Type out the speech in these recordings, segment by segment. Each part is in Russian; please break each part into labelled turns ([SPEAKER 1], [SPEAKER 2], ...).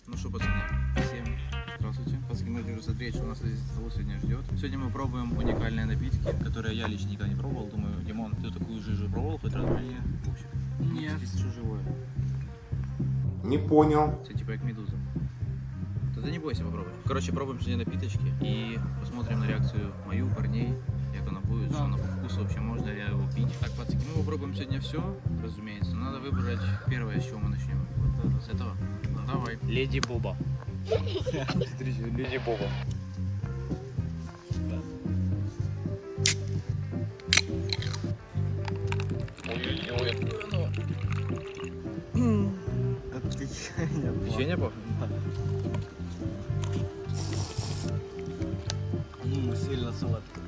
[SPEAKER 1] Ну что, пацаны, всем здравствуйте. Пацаны, можете уже смотреть, что нас здесь столу сегодня ждет. Сегодня мы пробуем уникальные напитки, которые я лично никогда не пробовал. Думаю, Димон, ты такую жижу пробовал хоть раз в жизни? В общем,
[SPEAKER 2] Нет.
[SPEAKER 1] здесь что живое.
[SPEAKER 3] Не понял.
[SPEAKER 1] Это типа как медуза. Тогда не бойся попробовать. Короче, пробуем сегодня напиточки и посмотрим на реакцию мою, парней. Как она будет, что она по вкусу вообще, можно ли его пить. Так, пацаны, мы попробуем сегодня все, разумеется. Надо выбрать первое, с чего мы начнем. С этого? Давай. Леди Боба. Смотрите, Леди Боба. Ой-ой-ой, какое оно.
[SPEAKER 2] Как печенье.
[SPEAKER 1] Печенье пахнет?
[SPEAKER 2] Сильно сладко.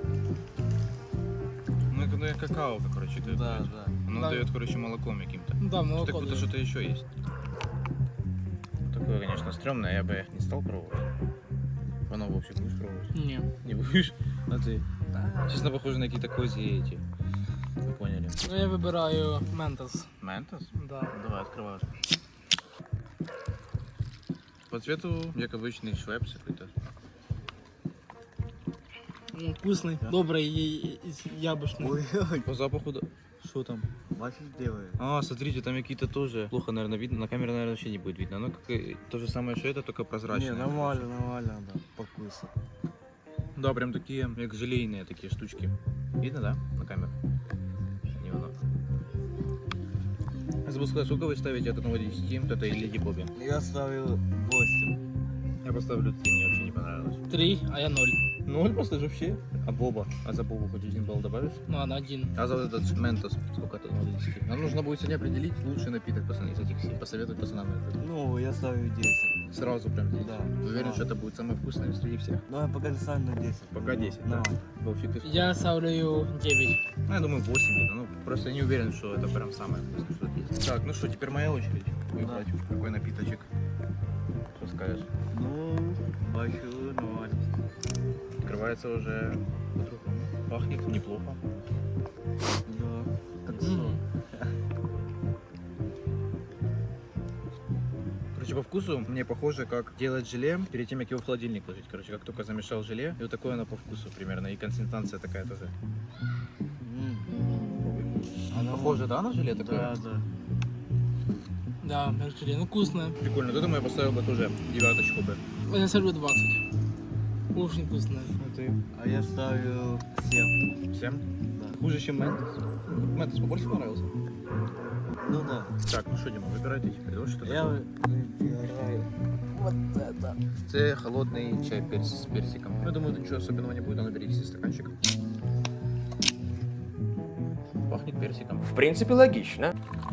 [SPEAKER 1] Ну, это какао, короче, дает.
[SPEAKER 2] Да, да.
[SPEAKER 1] Оно
[SPEAKER 2] Да.
[SPEAKER 1] дает, короче, молоком каким-то.
[SPEAKER 2] Да, молоко.
[SPEAKER 1] Как будто
[SPEAKER 2] дает.
[SPEAKER 1] что-то еще есть. Такое, конечно, стрёмное, я бы не стал пробовать. Оно вообще будешь пробовать?
[SPEAKER 2] Не.
[SPEAKER 1] Не будешь? А ты? Честно, похоже на какие-то козьи эти. Вы поняли?
[SPEAKER 2] Ну, я вибираю Ментос.
[SPEAKER 1] Ментос?
[SPEAKER 2] Да.
[SPEAKER 1] Давай, открывай. По цвету, как обычный швепс какой-то.
[SPEAKER 2] Ну, вкусный, добрый и яблочный.
[SPEAKER 3] Ой,
[SPEAKER 1] По запаху, да. Что там?
[SPEAKER 3] Вафель делает.
[SPEAKER 1] А, смотрите, там какие-то тоже. Плохо, наверное, видно. На камере, наверное, вообще не будет видно. Оно как и то же самое, что это, только прозрачное.
[SPEAKER 3] Не, нормально, да, по вкусу.
[SPEAKER 1] Да, прям такие, как желейные такие штучки. Видно, да, на камеру? Не видно. Я забыл сказать, сколько вы ставите от 1 до 10 вот этой Леди Бобе?
[SPEAKER 3] Я ставил 8.
[SPEAKER 1] Я поставлю 3, мне вообще не понравилось.
[SPEAKER 2] 3, а я 0.
[SPEAKER 1] 0 поставишь вообще? А Боба? А за Бобу хоть 1 балл добавишь?
[SPEAKER 2] Ну, ладно, 1.
[SPEAKER 1] А за вот этот Ментос сколько от 1 до 10? Нам нужно будет сегодня определить лучший напиток, пацаны, из этих всех. Посоветовать пацанам это.
[SPEAKER 3] Ну, я ставлю 10.
[SPEAKER 1] Сразу прям 10.
[SPEAKER 3] Да.
[SPEAKER 1] Уверен,
[SPEAKER 3] Да.
[SPEAKER 1] что это будет самое вкусное среди всех.
[SPEAKER 3] Ну, я пока не ставлю на 10.
[SPEAKER 1] Пока 10, да?
[SPEAKER 3] Давай.
[SPEAKER 1] Вовчик, ты
[SPEAKER 2] Я ставлю 9.
[SPEAKER 1] Ну, я думаю, 8 где-то. Ну, просто не уверен, что это прям самое вкусное, что есть. Так, ну что, теперь моя очередь выбрать, какой напиточек. Что скажешь?
[SPEAKER 3] Ну, бачу, нормально.
[SPEAKER 1] Открывается уже по-другому. Пахнет неплохо.
[SPEAKER 3] Да, как сок.
[SPEAKER 1] Короче, по вкусу мне похоже, как делать желе перед тем, как его в холодильник ложить. Короче, как только замешал желе, и вот такое оно по вкусу примерно. И консистенция такая тоже.
[SPEAKER 3] Она
[SPEAKER 1] Похоже, да, на желе такое?
[SPEAKER 3] Да, да.
[SPEAKER 2] Да, мерчили. Ну, вкусное.
[SPEAKER 1] Прикольно. Вот этому я поставил бы тоже 9 бы.
[SPEAKER 2] Я ставлю 20. Очень вкусное.
[SPEAKER 1] А ты?
[SPEAKER 3] А я ставлю 7.
[SPEAKER 1] 7?
[SPEAKER 3] Да.
[SPEAKER 1] Хуже, чем Ментос. Ментос побольше понравился?
[SPEAKER 3] Ну да.
[SPEAKER 1] Так, ну что, Дима, выбирай ты теперь. Вот что
[SPEAKER 3] Я
[SPEAKER 1] такое?
[SPEAKER 3] выбираю вот это.
[SPEAKER 1] Это холодный чай с персиком. Ну, я думаю, тут ничего особенного не будет, а наберите себе стаканчик. Пахнет персиком.
[SPEAKER 4] В принципе, логично.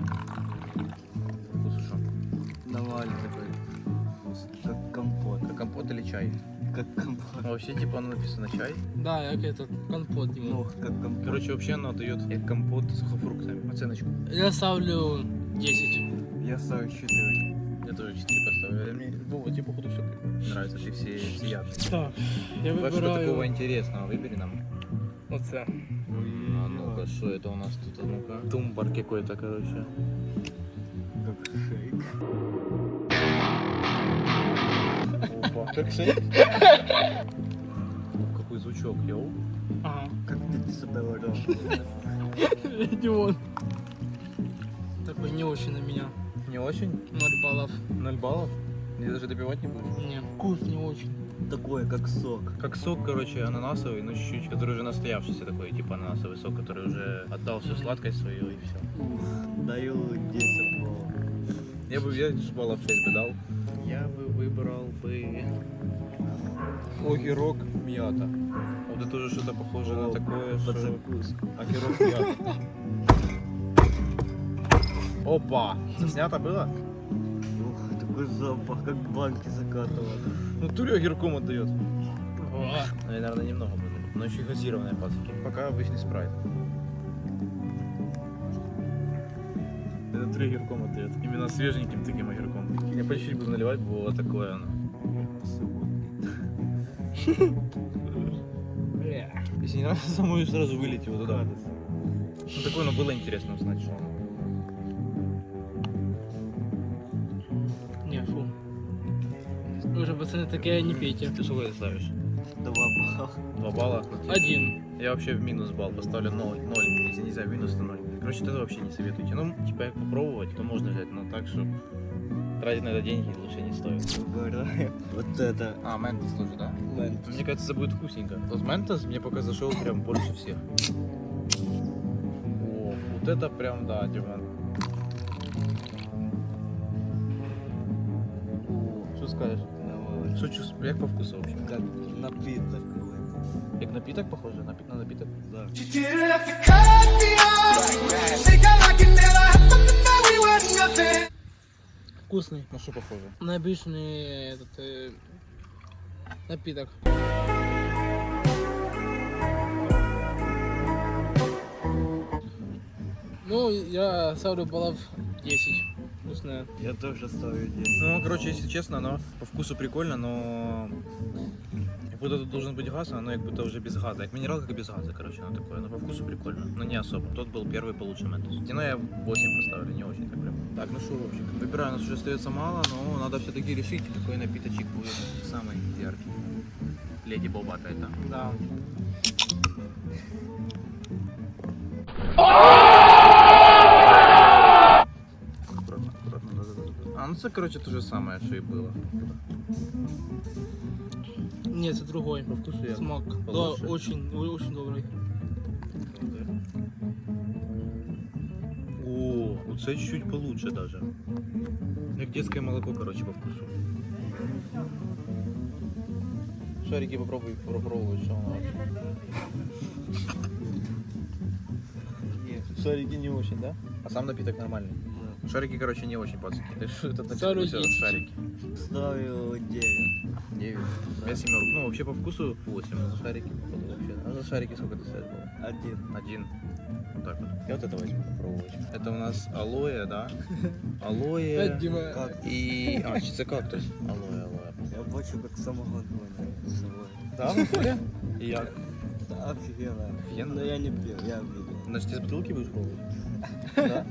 [SPEAKER 1] Вкус что?
[SPEAKER 3] Нормальный такой вкус. Как компот.
[SPEAKER 1] Как компот или чай?
[SPEAKER 3] Как компот.
[SPEAKER 1] А вообще, типа, оно написано чай.
[SPEAKER 2] Да, як этот компот,
[SPEAKER 3] Ну,
[SPEAKER 2] Дима.
[SPEAKER 3] как компот.
[SPEAKER 1] Короче, вообще оно дает как компот с сухофруктами. Оценочку.
[SPEAKER 2] Я ставлю 10.
[SPEAKER 3] Я ставлю 4.
[SPEAKER 1] Я тоже 4 поставлю. Мне, Вова, тебе, походу, все нравится. Ты все ядные.
[SPEAKER 2] Так, я
[SPEAKER 1] Давай что такого
[SPEAKER 2] вибираю
[SPEAKER 1] интересного выбери нам.
[SPEAKER 2] оце.
[SPEAKER 1] А ну-ка, что это у нас тут? А ну-ка. Тумбар какой-то, короче.
[SPEAKER 3] Как шейк.
[SPEAKER 1] Опа. Как шейк? Какой звучок, йоу.
[SPEAKER 2] Ага.
[SPEAKER 3] Как $50.
[SPEAKER 2] Димон. Такой не очень на меня.
[SPEAKER 1] Не очень?
[SPEAKER 2] 0 баллов.
[SPEAKER 1] 0 баллов? Ты даже допивать не будешь?
[SPEAKER 2] Не, вкус не очень.
[SPEAKER 3] Такое, как сок.
[SPEAKER 1] Как сок, короче, ананасовый, но чуть-чуть, который уже настоявшийся такой, типа ананасовый сок, который уже отдал всю сладкость свою и все.
[SPEAKER 3] Даю 10 баллов.
[SPEAKER 1] Я бы 6 баллов 6 бы дал. Я бы выбрал бы огурок мята. Вот это уже что-то похоже на такое,
[SPEAKER 3] Под
[SPEAKER 1] что...
[SPEAKER 3] закуску.
[SPEAKER 1] Огурок мята. Опа! Заснято было?
[SPEAKER 3] Ух, такой запах, как банки закатывал.
[SPEAKER 1] Ну, туре огурком отдает.
[SPEAKER 2] О,
[SPEAKER 1] Наверное, немного будет. Но еще газированные пацаки. Пока обычный спрайт. Это 3 огурком отдает. Именно свеженьким таким огурком. Я по чуть-чуть буду наливать, было такое оно. Если не нравится, самому сразу вылить его туда. Ну, такое, но было интересно узнать, что оно.
[SPEAKER 2] не, фу. Вы же, пацаны, такие не пейте.
[SPEAKER 1] Ты сколько ты ставишь?
[SPEAKER 3] 2 балла.
[SPEAKER 1] 2 балла?
[SPEAKER 2] 1.
[SPEAKER 1] Я вообще в минус балл поставлю 0. Если нельзя, минус, то 0. Короче, это вообще не советуйте. Ну, типа, как попробовать, то можно взять, но так, что тратить на это деньги лучше не стоит.
[SPEAKER 3] Угораю. Вот это.
[SPEAKER 1] А, ментос тоже, да?
[SPEAKER 3] Ментос.
[SPEAKER 1] Мне кажется, это будет вкусненько. Вот ментос мне пока зашел прям больше всех. О, вот это прям, да, Диман. Что скажешь?
[SPEAKER 3] Нормально.
[SPEAKER 1] Что чувствуешь? Як по вкусу вообще?
[SPEAKER 3] Как напиток какой-то.
[SPEAKER 1] Як напиток похоже? На напиток?
[SPEAKER 3] Да.
[SPEAKER 4] She didn't have to cut me off. Think I like it, never happened to know we were nothing.
[SPEAKER 2] Вкусный.
[SPEAKER 1] На что похоже?
[SPEAKER 2] На обычный этот напиток. Ну, я ставлю баллов 10. Вкусная.
[SPEAKER 3] Я тоже ставлю 10.
[SPEAKER 1] Ну, короче, если честно, оно по вкусу прикольно, но как будто тут должен быть газ, а оно как будто уже без газа. Как минералка, как без газа, короче, оно такое. Но по вкусу прикольно, но не особо. Тот был первый получше ментос. Ну, я 8 поставлю, не очень так прям. Так, ну что, Вовчик, выбираю, у нас уже остается мало, но надо все-таки решить, какой напиточек будет самый яркий. Леди Боба это.
[SPEAKER 2] Да.
[SPEAKER 1] Аккуратно, аккуратно. А, ну это, короче, то же самое, что и было.
[SPEAKER 2] Нет, это другой.
[SPEAKER 1] По вкусу я
[SPEAKER 2] Смак.
[SPEAKER 1] получше.
[SPEAKER 2] Да, очень добрый.
[SPEAKER 1] О, вот это чуть-чуть получше даже. Как детское молоко, короче, по вкусу. Шарики попробуй попробовать, что оно вообще.
[SPEAKER 3] Нет.
[SPEAKER 1] Шарики не очень, да? А сам напиток нормальный.
[SPEAKER 3] Да.
[SPEAKER 1] Шарики, короче, не очень, пацаны. Это
[SPEAKER 2] Ставлю
[SPEAKER 1] напиток,
[SPEAKER 2] 10.
[SPEAKER 1] шарики.
[SPEAKER 3] Ставлю 9.
[SPEAKER 1] 9. Я семерку. Ну, вообще по вкусу 8. А за шарики, походу, вообще. А за шарики сколько ты ставишь было?
[SPEAKER 3] 1.
[SPEAKER 1] 1. Вот так вот. Я вот это возьму попробовать. Это у нас алоэ, да? Алоэ.
[SPEAKER 2] Опять Дима.
[SPEAKER 3] Как?
[SPEAKER 1] И... А, чисто кактус. Алоэ, алоэ.
[SPEAKER 3] Я бачу, как самогон воняет с собой.
[SPEAKER 1] Да, ну хуя? И я.
[SPEAKER 3] Да, офигенно.
[SPEAKER 1] Офигенно?
[SPEAKER 3] Но я не пил, я видел.
[SPEAKER 1] Значит, из бутылки будешь пробовать? Да?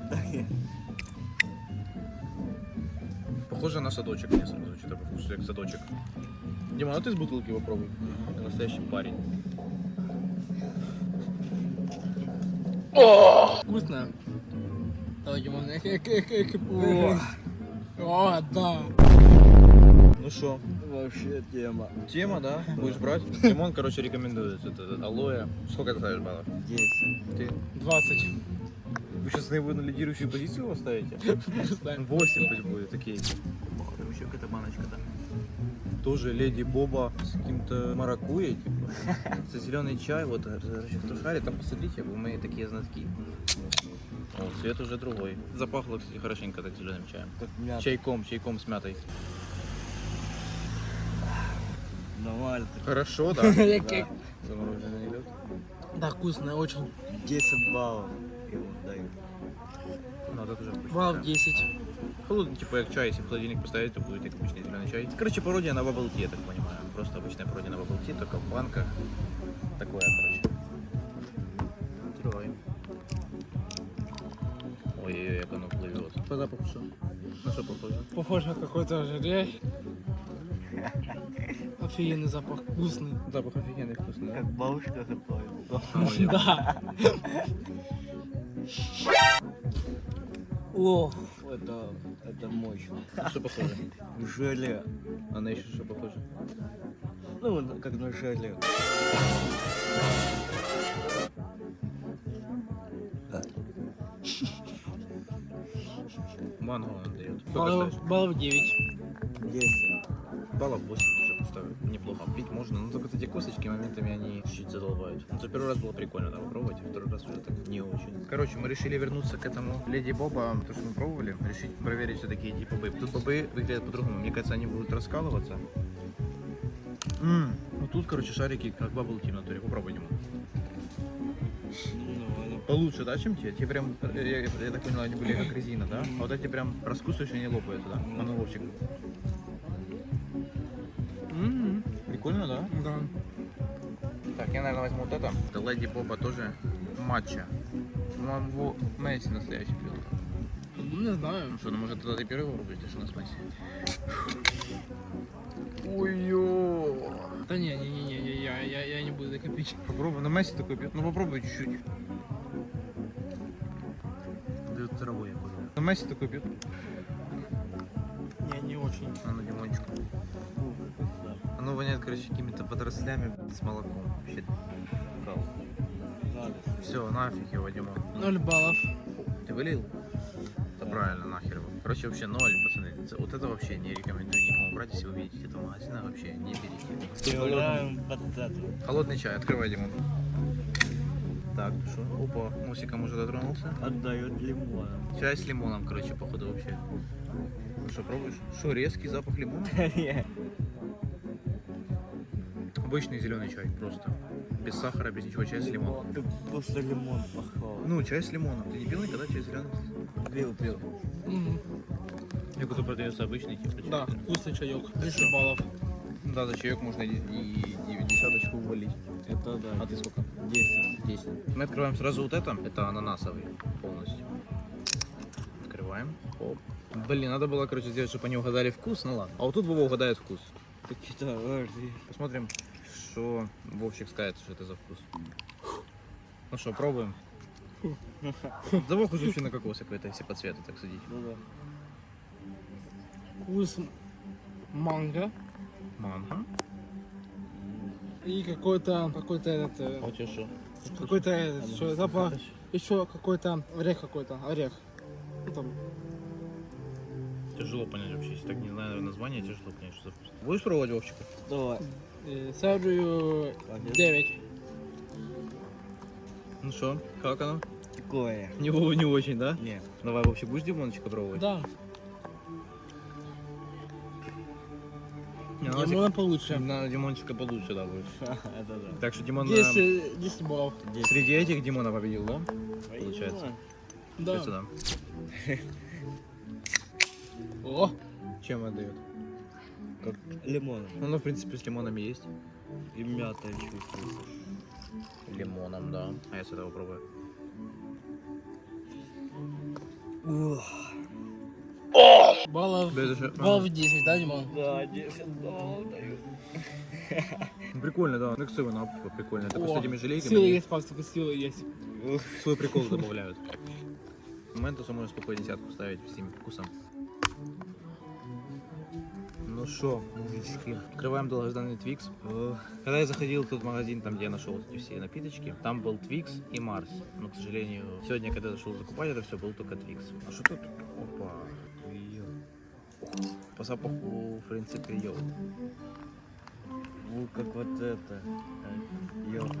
[SPEAKER 1] Похоже на садочек мне сразу, что-то по вкусу, как садочек. Дима, а ты из бутылки попробуй. Ты настоящий парень.
[SPEAKER 2] Вкусно. Давай, Дима. О, да.
[SPEAKER 1] Ну что,
[SPEAKER 3] Вообще тема.
[SPEAKER 1] тема, да? Будешь брать? Тимон, короче, рекомендует это алоэ. Сколько ты ставишь баллов?
[SPEAKER 3] 10.
[SPEAKER 1] Ты?
[SPEAKER 2] 20.
[SPEAKER 1] Вы сейчас на его на лидирующую позицию его ставите? 8 пусть будет, окей. Там еще какая-то баночка-то. Тоже леди Боба с каким-то маракуйей, типа. Это зеленый чай, вот, кто шарит, там посмотрите, вы мои такие знатки. О, цвет уже другой. Запахло, кстати, хорошенько так зеленым чаем.
[SPEAKER 3] Как мята.
[SPEAKER 1] Чайком с мятой.
[SPEAKER 3] Нормально.
[SPEAKER 1] Хорошо, да?
[SPEAKER 2] Как-
[SPEAKER 1] Замороженный лед.
[SPEAKER 2] Да, вкусно, очень.
[SPEAKER 3] 10 баллов ему даю.
[SPEAKER 1] Ну, это тоже вкусно.
[SPEAKER 2] Баллов 10.
[SPEAKER 1] Холодный, типа, как чай, если в холодильник поставить, то будет как обычный зеленый чай. Короче, пародия на bubble tea, я так понимаю. Просто обычная пародия на bubble tea, только в банках. Такое, короче. Открываем. Ой-ой-ой, как оно плывет. По запаху что? На что похоже?
[SPEAKER 2] Похоже на какой-то желе. Офигенный запах, вкусный.
[SPEAKER 1] Запах офигенный, вкусный, да?
[SPEAKER 3] Как бабушка готовит.
[SPEAKER 2] Да. О,
[SPEAKER 3] Это мощно.
[SPEAKER 1] На что похоже?
[SPEAKER 3] Желе.
[SPEAKER 1] А на еще что похоже?
[SPEAKER 3] Ну, вот как на желе.
[SPEAKER 1] Манго он дает. Сколько
[SPEAKER 2] баллов,
[SPEAKER 1] ставишь?
[SPEAKER 2] баллов 9.
[SPEAKER 3] 10.
[SPEAKER 1] Баллов 8 тоже поставлю. Неплохо. Пить можно, но только эти косточки моментами они чуть задолбают. Ну, за первый раз было прикольно, да, попробовать, а второй раз уже так не очень. Короче, мы решили вернуться к этому Леди Боба, то, что мы пробовали, решить проверить все-таки эти бобы. Тут бобы выглядят по-другому. Мне кажется, они будут раскалываться. Ну тут, короче, шарики как bubble tea в натуре. Попробуй ему.
[SPEAKER 3] Ну,
[SPEAKER 1] Получше, да, чем те? Те прям, я так понял, они были как резина, да? А вот эти прям раскусываешь, они лопаются, да? А ну, Вовчик. Прикольно, да?
[SPEAKER 2] Да.
[SPEAKER 1] Так, я, наверное, возьму вот это. Это Леди Боба тоже матча. По-моему, его Месси настоящий пил.
[SPEAKER 2] Ну, не знаю.
[SPEAKER 1] Ну что, ну может тогда ты первый попробуешь, что у нас Месси?
[SPEAKER 2] Да не, я не буду это копить.
[SPEAKER 1] Попробуй, на Месси такой пьет. Ну попробуй чуть-чуть. Дают травой я понял. На Месси такой пьет.
[SPEAKER 2] Не очень.
[SPEAKER 1] А ну Димончику. Оно воняет, короче, какими-то водорослями с молоком. Вообще. Все, нафиг его, Димон.
[SPEAKER 2] 0 баллов.
[SPEAKER 1] Ты вылил? Да правильно, нахер его. Короче, вообще 0, пацаны. Вот это вообще не рекомендую никому брать, если вы видите это в магазинах, вообще не берите.
[SPEAKER 3] Играем под это.
[SPEAKER 1] Холодный чай, открывай, Димон. Так, ну что? Опа, носиком уже дотронулся.
[SPEAKER 3] Отдает лимоном.
[SPEAKER 1] Чай с лимоном, короче, походу вообще. Ну что, пробуешь? Что, резкий запах лимона? Обычный зеленый чай, просто. Без сахара, без ничего, чай с лимоном.
[SPEAKER 3] Как просто лимон пахал.
[SPEAKER 1] Ну, чай с лимоном. Ты не пил никогда чай зеленый?
[SPEAKER 3] Пил.
[SPEAKER 1] Я который продается обычный, типа чай.
[SPEAKER 2] Да, вкусный чаек.
[SPEAKER 1] Ты
[SPEAKER 2] 10
[SPEAKER 1] что?
[SPEAKER 2] баллов.
[SPEAKER 1] Да, за чаек можно и десяточку увалить.
[SPEAKER 3] Это да.
[SPEAKER 1] А ты сколько?
[SPEAKER 3] 10.
[SPEAKER 1] 10. Мы открываем сразу вот это ананасовый полностью. Открываем. Оп. Блин, надо было, короче, сделать, чтобы они угадали вкус, ну ладно. А вот тут Вова угадает вкус.
[SPEAKER 3] Какие-то
[SPEAKER 1] Посмотрим, что Вовчик скажет, что это за вкус. Ну что, пробуем. Да Вов уже вообще на кокосе какой-то, если по цвету так судить.
[SPEAKER 3] Ну да.
[SPEAKER 2] Вкус манго.
[SPEAKER 1] Манго.
[SPEAKER 2] И какой-то этот,
[SPEAKER 1] А у тебя что?
[SPEAKER 2] какой-то этот, что запах, еще какой-то орех какой-то, орех. Ну, там.
[SPEAKER 1] Тяжело понять вообще, если так не знаю название, тяжело понять, что за вкус. Будешь пробовать, Вовчик?
[SPEAKER 3] Давай.
[SPEAKER 2] Ставлю 9.
[SPEAKER 1] Ну что, как оно?
[SPEAKER 3] Такое.
[SPEAKER 1] Не очень, да?
[SPEAKER 3] Нет.
[SPEAKER 1] Давай, Вовчик, будешь Димончика пробовать?
[SPEAKER 2] Да,
[SPEAKER 1] Не, ну,
[SPEAKER 2] лимона получше.
[SPEAKER 1] На Димончика получше, да, будет.
[SPEAKER 3] Это да.
[SPEAKER 1] Так что Димон
[SPEAKER 2] 10 баллов.
[SPEAKER 1] среди этих Димона победил, да? Получается.
[SPEAKER 2] Да.
[SPEAKER 1] Сюда.
[SPEAKER 2] О,
[SPEAKER 1] Чем отдает?
[SPEAKER 3] Как лимон.
[SPEAKER 1] Ну, в принципе, с лимонами есть.
[SPEAKER 3] И мята чувствуется.
[SPEAKER 1] Лимоном, да. А я с этого пробую.
[SPEAKER 2] баллов,
[SPEAKER 1] Да, это же-
[SPEAKER 2] баллов 10, да, Димон?
[SPEAKER 3] Да, 10 баллов даю.
[SPEAKER 1] Ну, прикольно, да. Ну, ксивы на типа, прикольно. Только с этими желейками
[SPEAKER 2] Силы
[SPEAKER 1] они
[SPEAKER 2] есть, пастыка, силы есть.
[SPEAKER 1] свой прикол добавляют. Ментусу можно спокойно десятку ставить всем вкусом. Ну что, мужички, открываем долгожданный Твикс. Когда я заходил в тот магазин, там где я нашел эти все напиточки, там был Твикс и Марс. Но, к сожалению, сегодня, когда я зашел закупать это все, был только Твикс. А что тут? Опа. По запаху, в принципе, йод.
[SPEAKER 3] Ну, как вот это. Йогурт.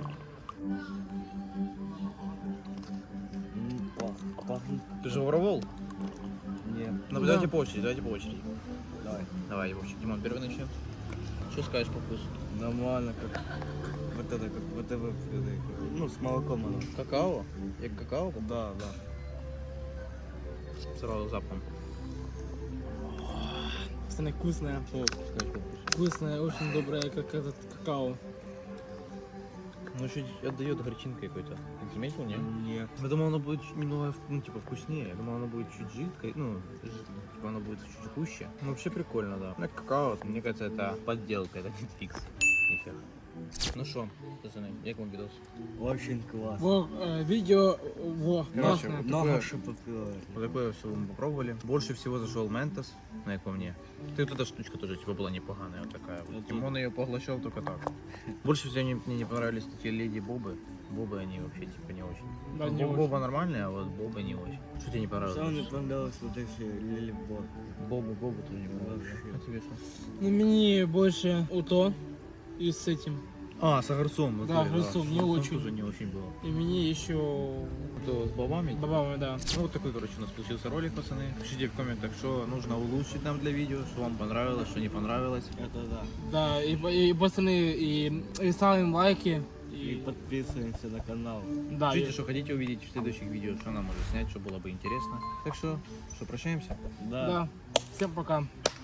[SPEAKER 3] Пахнет.
[SPEAKER 1] Ты же воровал?
[SPEAKER 3] Нет.
[SPEAKER 1] Ну, давайте по очереди,
[SPEAKER 3] Давай.
[SPEAKER 1] Давай, Вовчик, Димон, первый начнем. Что скажешь по вкусу?
[SPEAKER 3] Нормально, как вот это, как вот это, ну, с молоком оно.
[SPEAKER 1] Какао? Я какао?
[SPEAKER 3] Да.
[SPEAKER 1] Сразу запахом.
[SPEAKER 2] Пацаны, вкусная.
[SPEAKER 1] Что скажешь по вкусу?
[SPEAKER 2] Вкусная, очень добрая, как этот какао.
[SPEAKER 1] Ну, чуть отдает горчинкой какой-то. Ты заметил, нет?
[SPEAKER 3] Нет.
[SPEAKER 1] Я думал, оно будет немного, ну, типа, вкуснее. Я думал, оно будет чуть жидкое, ну, типа, оно будет чуть гуще. Ну, вообще прикольно, да. Ну, какао, мне кажется, это подделка, это не Твикс. Нифига. Ну что, пацаны, як вам видос?
[SPEAKER 3] Очень классно.
[SPEAKER 2] Во, видео, во,
[SPEAKER 1] Короче,
[SPEAKER 2] классно.
[SPEAKER 3] Много что попила.
[SPEAKER 1] Вот такое все мы попробовали. Больше всего зашел Ментос, ну, як по мне. Ты вот эта штучка тоже, типа, была непоганая, вот такая. Вот. Тимон ее поглощал только так. Больше всего мне не понравились такие леди Бобы. Бобы, они вообще, типа, не очень.
[SPEAKER 2] Да, не очень.
[SPEAKER 1] Боба нормальная, а вот Бобы не очень. Что тебе не понравилось?
[SPEAKER 3] Самое мне понравилось вот эти лилибор.
[SPEAKER 1] Бобы тоже не понравилось.
[SPEAKER 3] Вообще.
[SPEAKER 1] А тебе что?
[SPEAKER 2] Ну, мне больше УТО и с этим.
[SPEAKER 1] А, с огурцом.
[SPEAKER 2] Да, огурцом, не очень.
[SPEAKER 1] Тоже не очень было.
[SPEAKER 2] И мне еще
[SPEAKER 1] То с бобами.
[SPEAKER 2] добавим, да.
[SPEAKER 1] Ну вот такой, короче, у нас получился ролик, пацаны. Пишите в комментах, что нужно улучшить нам для видео, что вам понравилось, что не понравилось.
[SPEAKER 3] Это да.
[SPEAKER 2] Да, и пацаны, и ставим лайки.
[SPEAKER 3] И подписываемся на канал.
[SPEAKER 2] Да,
[SPEAKER 1] Пишите, что хотите увидеть в следующих видео, что нам может снять, что было бы интересно. Так что прощаемся.
[SPEAKER 2] да. Всем пока.